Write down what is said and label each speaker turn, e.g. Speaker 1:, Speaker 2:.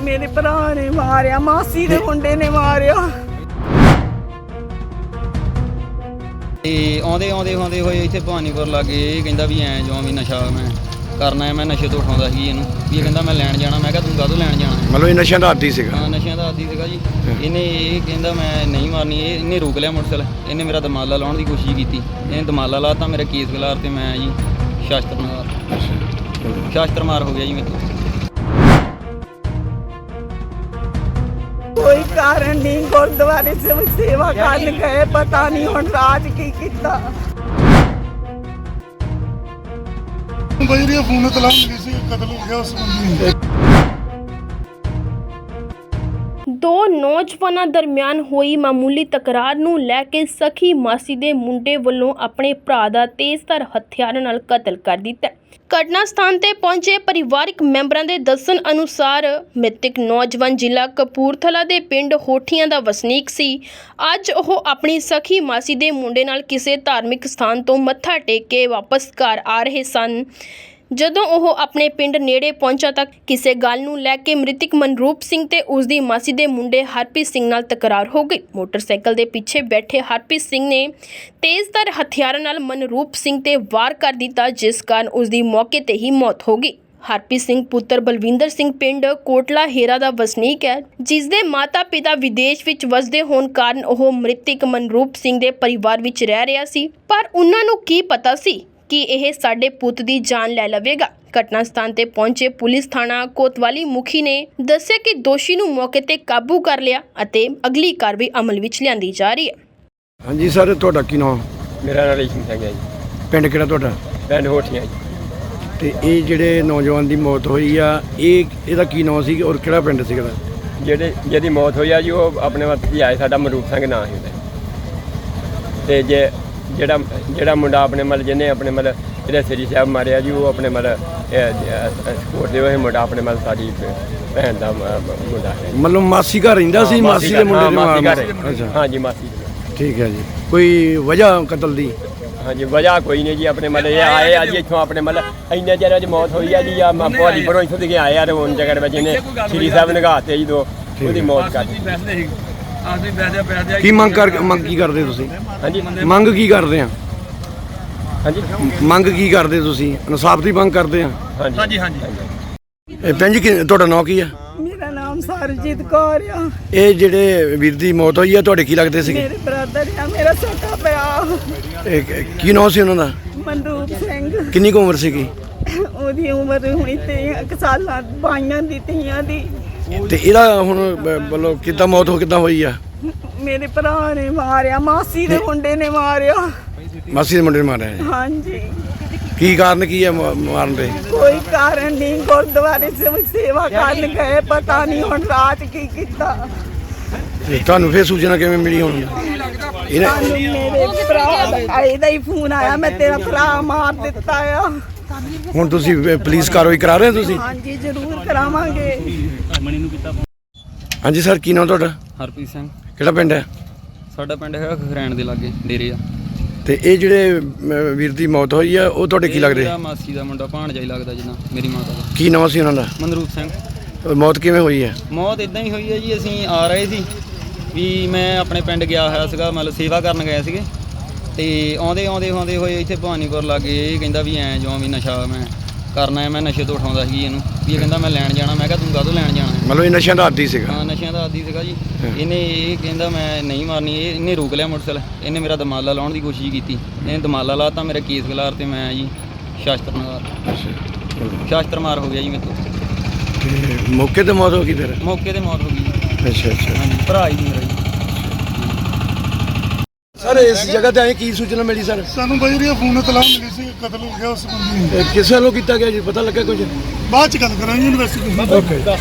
Speaker 1: ਮੇਰੇ ਭਰਾ ਨੇ ਮਾਰਿਆ, ਮਾਸੀ ਦੇ ਮੁੰਡੇ ਨੇ ਮਾਰਿਆ।
Speaker 2: ਤੇ ਆਉਂਦੇ ਹੋਏ ਇੱਥੇ ਭਵਾਨੀਪੁਰ ਲਾਗੇ ਇਹ ਕਹਿੰਦਾ ਵੀ ਐਂ ਜੋ ਵੀ ਨਸ਼ਾ ਮੈਂ ਕਰਨਾ ਹੈ। ਮੈਂ ਨਸ਼ੇ ਤੋਂ ਉਠਾਉਂਦਾ ਸੀ ਇਹਨੂੰ ਵੀ ਇਹ ਕਹਿੰਦਾ ਮੈਂ ਲੈਣ ਜਾਣਾ। ਮੈਂ ਕਿਹਾ ਤੂੰ ਕਾਹਤੋਂ ਲੈਣ ਜਾਣਾ?
Speaker 3: ਮਤਲਬ ਇਹ ਨਸ਼ਿਆਂ ਦਾ ਆਦੀ ਸੀਗਾ?
Speaker 2: ਹਾਂ, ਨਸ਼ਿਆਂ ਦਾ ਆਦੀ ਸੀਗਾ ਜੀ। ਇਹਨੇ ਇਹ ਕਹਿੰਦਾ ਮੈਂ ਨਹੀਂ ਮਾਰਨੀ। ਇਹਨੇ ਰੋਕ ਲਿਆ ਮੋਟਰਸਾਈਕਲ। ਇਹਨੇ ਮੇਰਾ ਦਮਾਲਾ ਲਾਉਣ ਦੀ ਕੋਸ਼ਿਸ਼ ਕੀਤੀ। ਇਹਨੇ ਦਮਾਲਾ ਲਾਤਾ, ਮੇਰਾ ਕੇਸ ਖਿਲਾਰ ਤੇ ਮੈਂ ਜੀ ਸ਼ਾਸਤਰ ਮਾਰ ਹੋ ਗਿਆ ਜੀ ਮੇਰੇ ਤੋਂ।
Speaker 1: ਕੋਈ ਕਾਰਨ ਨਹੀਂ, ਗੁਰਦੁਆਰੇ ਸੇਵਾ ਕਰਨ ਗਏ, ਪਤਾ ਨਹੀਂ ਹੁਣ ਰਾਜ ਕੀ ਕੀਤਾ।
Speaker 4: ਬਜਰੀਆ ਫੋਨ ਤੇ ਲਾਉਣ ਗਈ ਸੀ, ਕਤਲ ਹੋ ਗਿਆ ਉਸ ਬੰਦੇ ਨੂੰ।
Speaker 5: ਦੋ ਨੌਜਵਾਨਾਂ ਦਰਮਿਆਨ ਹੋਈ ਮਾਮੂਲੀ ਤਕਰਾਰ ਨੂੰ ਲੈ ਕੇ ਸਖੀ ਮਾਸੀ ਦੇ ਮੁੰਡੇ ਵੱਲੋਂ ਆਪਣੇ ਭਰਾ ਦਾ ਤੇਜ਼ਧਾਰ ਹਥਿਆਰਾਂ ਨਾਲ ਕਤਲ ਕਰ ਦਿੱਤਾ। ਘਟਨਾ ਸਥਾਨ ਤੇ ਪਹੁੰਚੇ ਪਰਿਵਾਰਕ ਮੈਂਬਰਾਂ ਦੇ ਦੱਸਣ ਅਨੁਸਾਰ ਮ੍ਰਿਤਕ ਨੌਜਵਾਨ ਜ਼ਿਲ੍ਹਾ ਕਪੂਰਥਲਾ ਦੇ ਪਿੰਡ ਹੋਠੀਆਂ ਦਾ ਵਸਨੀਕ ਸੀ। ਅੱਜ ਉਹ ਆਪਣੀ ਸਖੀ ਮਾਸੀ ਦੇ ਮੁੰਡੇ ਨਾਲ ਕਿਸੇ ਧਾਰਮਿਕ ਸਥਾਨ ਤੋਂ ਮੱਥਾ ਟੇਕ ਕੇ ਵਾਪਸ ਘਰ ਆ ਰਹੇ ਸਨ। ਜਦੋਂ ਉਹ ਆਪਣੇ ਪਿੰਡ ਨੇੜੇ ਪਹੁੰਚਾ ਤਾਂ ਕਿਸੇ ਗੱਲ ਨੂੰ ਲੈ ਕੇ ਮ੍ਰਿਤਕ ਮਨਰੂਪ ਸਿੰਘ ਤੇ ਉਸ ਦੀ ਮਾਸੀ ਦੇ ਮੁੰਡੇ ਹਰਪ੍ਰੀਤ ਸਿੰਘ ਨਾਲ ਤਕਰਾਰ ਹੋ ਗਈ। ਮੋਟਰਸਾਈਕਲ ਦੇ ਪਿੱਛੇ ਬੈਠੇ ਹਰਪ੍ਰੀਤ ਸਿੰਘ ਨੇ ਤੇਜ਼ਧਾਰ ਹਥਿਆਰਾਂ ਨਾਲ ਮਨਰੂਪ ਸਿੰਘ ਤੇ ਵਾਰ ਕਰ ਦਿੱਤਾ, ਜਿਸ ਕਾਰਨ ਉਸ ਦੀ ਮੌਕੇ ਤੇ ਹੀ ਮੌਤ ਹੋ ਗਈ। ਹਰਪ੍ਰੀਤ ਸਿੰਘ ਪੁੱਤਰ ਬਲਵਿੰਦਰ ਸਿੰਘ ਪਿੰਡ ਕੋਟਲਾ ਹੀਰਾ ਦਾ ਵਸਨੀਕ ਹੈ, ਜਿਸ ਦੇ ਮਾਤਾ-ਪਿਤਾ ਵਿਦੇਸ਼ ਵਿੱਚ ਵਸਦੇ ਹੋਣ ਕਾਰਨ ਉਹ ਮ੍ਰਿਤਕ ਮਨਰੂਪ ਸਿੰਘ ਦੇ ਪਰਿਵਾਰ ਵਿੱਚ ਰਹਿ ਰਿਹਾ ਸੀ। ਪਰ ਉਹਨਾਂ ਨੂੰ ਕੀ ਪਤਾ ਸੀ ਕਿ ਇਹ ਸਾਡੇ ਪੁੱਤ ਦੀ ਜਾਨ ਲੈ ਲਵੇਗਾ। ਘਟਨਾ ਸਥਾਨ ਤੇ ਪਹੁੰਚੇ ਪੁਲਿਸ ਥਾਣਾ ਕੋਤਵਾਲੀ ਮੁਖੀ ਨੇ ਦੱਸਿਆ ਕਿ ਦੋਸ਼ੀ ਨੂੰ ਮੌਕੇ ਤੇ ਕਾਬੂ ਕਰ ਲਿਆ ਅਤੇ ਅਗਲੀ ਕਾਰਵਾਈ ਅਮਲ ਵਿੱਚ ਲਿਆਂਦੀ ਜਾ ਰਹੀ ਹੈ।
Speaker 3: ਹਾਂਜੀ ਸਰ, ਤੁਹਾਡਾ ਕੀ ਨਾਮ?
Speaker 6: ਮੇਰਾ ਨਾਮ ਰੇਸ਼ਮ ਸਿੰਘ ਹੈ ਜੀ।
Speaker 3: ਪਿੰਡ ਕਿਹੜਾ ਤੁਹਾਡਾ?
Speaker 6: ਪਿੰਡ ਹੋਠੀਆਂ ਜੀ।
Speaker 3: ਤੇ ਇਹ ਜਿਹੜੇ ਨੌਜਵਾਨ ਦੀ ਮੌਤ ਹੋਈ ਆ, ਇਹਦਾ ਕੀ ਨਾਮ ਸੀ ਔਰ ਕਿਹੜਾ ਪਿੰਡ ਸੀਗਾ?
Speaker 6: ਜਿਹਦੀ ਮੌਤ ਹੋਈ ਆ ਜੀ, ਉਹ ਆਪਣੇ ਵੱਤ ਹੀ ਆਏ, ਸਾਡਾ ਮਨਰੂਪ ਸਿੰਘ ਨਾਂ ਸੀ ਉਹਦਾ। ਤੇ ਜਿਹੜਾ ਮੁੰਡਾ ਆਪਣੇ ਮਤਲਬ ਜਿਹਨੇ ਆਪਣੇ ਮਤਲਬ ਜਿਹੜਾ ਸ੍ਰੀ ਸਾਹਿਬ ਮਾਰਿਆ ਜੀ, ਉਹ ਆਪਣੇ ਮਤਲਬ ਸਪੋਰਟ ਦੇ ਉਹ ਮੁੰਡਾ ਆਪਣੇ ਮਤਲਬ ਸਾਡੀ ਭੈਣ ਦਾ ਮੁੰਡਾ ਹੈ।
Speaker 3: ਮਤਲਬ ਮਾਸੀ ਘਰ ਰਹਿੰਦਾ ਸੀ? ਮਾਸੀ ਦੇ ਮੁੰਡੇ ਦੇ?
Speaker 6: ਅੱਛਾ, ਹਾਂ ਜੀ, ਮਾਸੀ।
Speaker 3: ਠੀਕ ਹੈ ਜੀ। ਕੋਈ ਵਜ੍ਹਾ ਕਤਲ ਦੀ?
Speaker 6: ਹਾਂਜੀ, ਵਜ੍ਹਾ ਕੋਈ ਨਹੀਂ ਜੀ। ਆਪਣੇ ਮਤਲਬ ਇਹ ਆਏ ਆ ਜੀ ਇੱਥੋਂ, ਆਪਣੇ ਮਤਲਬ ਇੰਨੇ ਚਿਰ ਅੱਜ ਮੌਤ ਹੋਈ ਆ ਜੀ। ਆ ਭਵਾਨੀ ਪਰੋਂ ਇੱਥੋਂ ਦੇ ਆਏ ਆ ਤੇ ਹੁਣ ਜਗ੍ਹਾ ਵਿੱਚ ਇਹਨੇ ਸ੍ਰੀ ਸਾਹਿਬ ਨਗਾਤੇ ਜੀ, ਦੋ ਉਹਦੀ ਮੌਤ ਕਰ ਦਿੱਤੀ।
Speaker 3: ਕੀ ਮੰਗ ਕੀ ਕਰਦੇ ਤੁਸੀਂ?
Speaker 6: ਹਾਂਜੀ,
Speaker 3: ਮੰਗ ਕੀ ਕਰਦੇ ਆ?
Speaker 6: ਹਾਂਜੀ,
Speaker 3: ਮੰਗ ਕੀ ਕਰਦੇ ਤੁਸੀਂ? ਇਨਸਾਫ ਦੀ ਮੰਗ ਕਰਦੇ ਆ?
Speaker 6: ਹਾਂਜੀ।
Speaker 3: ਇਹ ਭੈਣ ਜੀ ਤੁਹਾਡਾ ਨਾਂ ਕੀ ਆ?
Speaker 1: ਮੇਰਾ ਨਾਮ ਸਰਜੀਤ ਕੌਰ ਆ।
Speaker 3: ਇਹ ਜਿਹੜੇ ਵੀਰ ਦੀ ਮੌਤ ਹੋਈ ਆ, ਤੁਹਾਡੇ ਕੀ ਲੱਗਦੇ ਸੀਗੇ?
Speaker 1: ਮੇਰੇ ਬ੍ਰਦਰ ਆ, ਮੇਰਾ ਛੋਟਾ ਪਿਆ।
Speaker 3: ਕੀ ਨਾਂ ਸੀ ਉਹਨਾਂ ਦਾ?
Speaker 1: ਮਨਰੂਪ ਸਿੰਘ।
Speaker 3: ਕਿੰਨੀ ਕੁ ਉਮਰ ਸੀਗੀ?
Speaker 1: ਉਹਦੀ ਉਮਰ ਹੋਣੀ 3 ਸਾਲਾਂ, 22 ਦੀ ਤੀਆਂ ਦੀ।
Speaker 3: ਤੇ ਇਹਦਾ ਹੁਣ ਮਤਲਬ ਕਿੱਦਾਂ ਮੌਤ ਕਿੱਦਾਂ ਹੋਈ ਆ?
Speaker 1: ਮੇਰੇ ਭਰਾ ਨੇ ਮਾਰਿਆ, ਮਾਸੀ ਦੇ ਮੁੰਡੇ ਨੇ ਮਾਰਿਆ।
Speaker 3: ਮਾਸੀ ਦੇ ਮੁੰਡੇ ਨੇ ਮਾਰਿਆ ਜੀ?
Speaker 1: ਹਾਂਜੀ।
Speaker 3: ਕੀ ਕਾਰਨ ਕੀ ਆ ਮਾਰਨ ਦੇ?
Speaker 1: ਕੋਈ ਕਾਰਨ ਨਹੀਂ, ਗੁਰਦੁਆਰੇ ਸੇਵਾ ਕਰਨ ਗਏ, ਪਤਾ ਨਹੀਂ ਹੁਣ ਰਾਜ ਕੀ ਕੀਤਾ।
Speaker 3: ਤੇ ਤੁਹਾਨੂੰ ਫੇਰ ਸੂਚਨਾ ਕਿਵੇਂ ਮਿਲੀ ਹੁਣ?
Speaker 1: ਸਾਨੂੰ ਮੇਰੇ ਭਰਾ ਦਾ ਹੀ ਫੋਨ ਆਇਆ, ਮੈਂ ਤੇਰਾ ਭਰਾ ਮਾਰ ਦਿੱਤਾ ਆ।
Speaker 3: ਹੁਣ ਤੁਸੀਂ ਪੁਲਿਸ ਕਾਰਵਾਈ ਕਰਾ ਰਹੇ ਹੋ ਤੁਸੀਂ?
Speaker 1: ਹਾਂਜੀ, ਜ਼ਰੂਰ ਕਰਾਵਾਂਗੇ।
Speaker 3: ਹਾਂਜੀ ਸਰ, ਕੀ ਨਾਮ ਤੁਹਾਡਾ?
Speaker 2: ਹਰਪ੍ਰੀਤ ਸਿੰਘ।
Speaker 3: ਕਿਹੜਾ ਪਿੰਡ ਹੈ?
Speaker 2: ਸਾਡਾ ਪਿੰਡ ਹੈਗਾ ਖਰੈਣ ਦੇ ਲਾਗੇ ਡੇਰੇ ਆ।
Speaker 3: ਤੇ ਇਹ ਜਿਹੜੇ ਵੀਰ ਦੀ ਮੌਤ ਹੋਈ ਆ, ਉਹ ਤੁਹਾਡੇ ਕੀ ਲੱਗਦੇ?
Speaker 2: ਮੇਰਾ ਮਾਸੀ ਦਾ ਮੁੰਡਾ, ਭਾਣਜਾ ਹੀ ਲੱਗਦਾ ਜਿੰਨਾ ਮੇਰੀ ਮਾਤਾ ਦਾ।
Speaker 3: ਕੀ ਨਾਮ ਸੀ ਉਹਨਾਂ ਦਾ?
Speaker 2: ਮਨਰੂਪ ਸਿੰਘ।
Speaker 3: ਮੌਤ ਕਿਵੇਂ ਹੋਈ ਹੈ?
Speaker 2: ਮੌਤ ਇਦਾਂ ਹੀ ਹੋਈ ਹੈ ਜੀ। ਅਸੀਂ ਆ ਰਹੇ ਸੀ ਵੀ ਮੈਂ ਆਪਣੇ ਪਿੰਡ ਗਿਆ ਹੋਇਆ ਸੀਗਾ, ਮਤਲਬ ਸੇਵਾ ਕਰਨ ਗਏ ਸੀਗੇ। ਤੇ ਆਉਂਦੇ ਹੋਏ ਇੱਥੇ ਭਵਾਨੀਪੁਰ ਲਾਗੇ ਇਹ ਕਹਿੰਦਾ ਵੀ ਐਂ ਜੋ ਵੀ ਨਸ਼ਾ ਮੈਂ ਕਰਨਾ ਹੈ। ਮੈਂ ਨਸ਼ੇ ਤੋਂ ਉਠਾਉਂਦਾ ਸੀ ਇਹਨੂੰ ਵੀ ਇਹ ਕਹਿੰਦਾ ਮੈਂ ਲੈਣ ਜਾਣਾ। ਮੈਂ ਕਿਹਾ ਤੂੰ ਕਾਹਤੋਂ ਲੈਣ ਜਾਣਾ?
Speaker 3: ਮਤਲਬ ਇਹ ਨਸ਼ਿਆਂ ਦਾ ਆਦੀ ਸੀਗਾ?
Speaker 2: ਹਾਂ, ਨਸ਼ਿਆਂ ਦਾ ਆਦੀ ਸੀਗਾ ਜੀ। ਇਹਨੇ ਇਹ ਕਹਿੰਦਾ ਮੈਂ ਨਹੀਂ ਮਾਰਨੀ। ਇਹਨੇ ਰੋਕ ਲਿਆ ਮੋਟਰਸਾਈਕਲ। ਇਹਨੇ ਮੇਰਾ ਦਮਾਲਾ ਲਾਉਣ ਦੀ ਕੋਸ਼ਿਸ਼ ਕੀਤੀ। ਇਹਨੇ ਦਮਾਲਾ ਲਾਤਾ, ਮੇਰਾ ਕੇਸ ਖਿਲਾਰ ਤੇ ਮੈਂ ਜੀ ਸ਼ਾਸਤਰ ਮਾਰ ਹੋ ਗਿਆ ਜੀ ਮੇਰੇ ਤੋਂ।
Speaker 3: ਮੌਕੇ ਤੇ ਮੌਤ ਹੋ ਗਈ ਫਿਰ?
Speaker 2: ਮੌਕੇ ਤੇ ਮੌਤ ਹੋ ਗਈ ਜੀ।
Speaker 3: ਅੱਛਾ।
Speaker 2: ਹਾਂਜੀ, ਭਰਾ ਹੀ ਮੇਰਾ ਜੀ।
Speaker 3: ਸਰ, ਇਸ ਜਗ੍ਹਾ ਤੇ ਆਏ ਕੀ ਸੂਚਨਾ ਮਿਲੀ ਸਰ?
Speaker 4: ਸਾਨੂੰ ਬਜਰੀਆ ਫੋਨ ਤੇ ਲਾਉਣ ਮਿਲੀ ਸੀ, ਕਤਲ ਹੋ ਗਿਆ ਉਸ ਬੰਦੇ ਨੂੰ।
Speaker 3: ਕਿਸੇ ਵੱਲੋਂ ਕੀਤਾ ਗਿਆ ਜੀ? ਪਤਾ ਲੱਗਾ ਕੁਝ?
Speaker 4: ਬਾਅਦ ਚ ਗੱਲ ਕਰਾਂਗੇ ਇਨਵੈਸਟੀਗੇਸ਼ਨ।
Speaker 3: ਓਕੇ।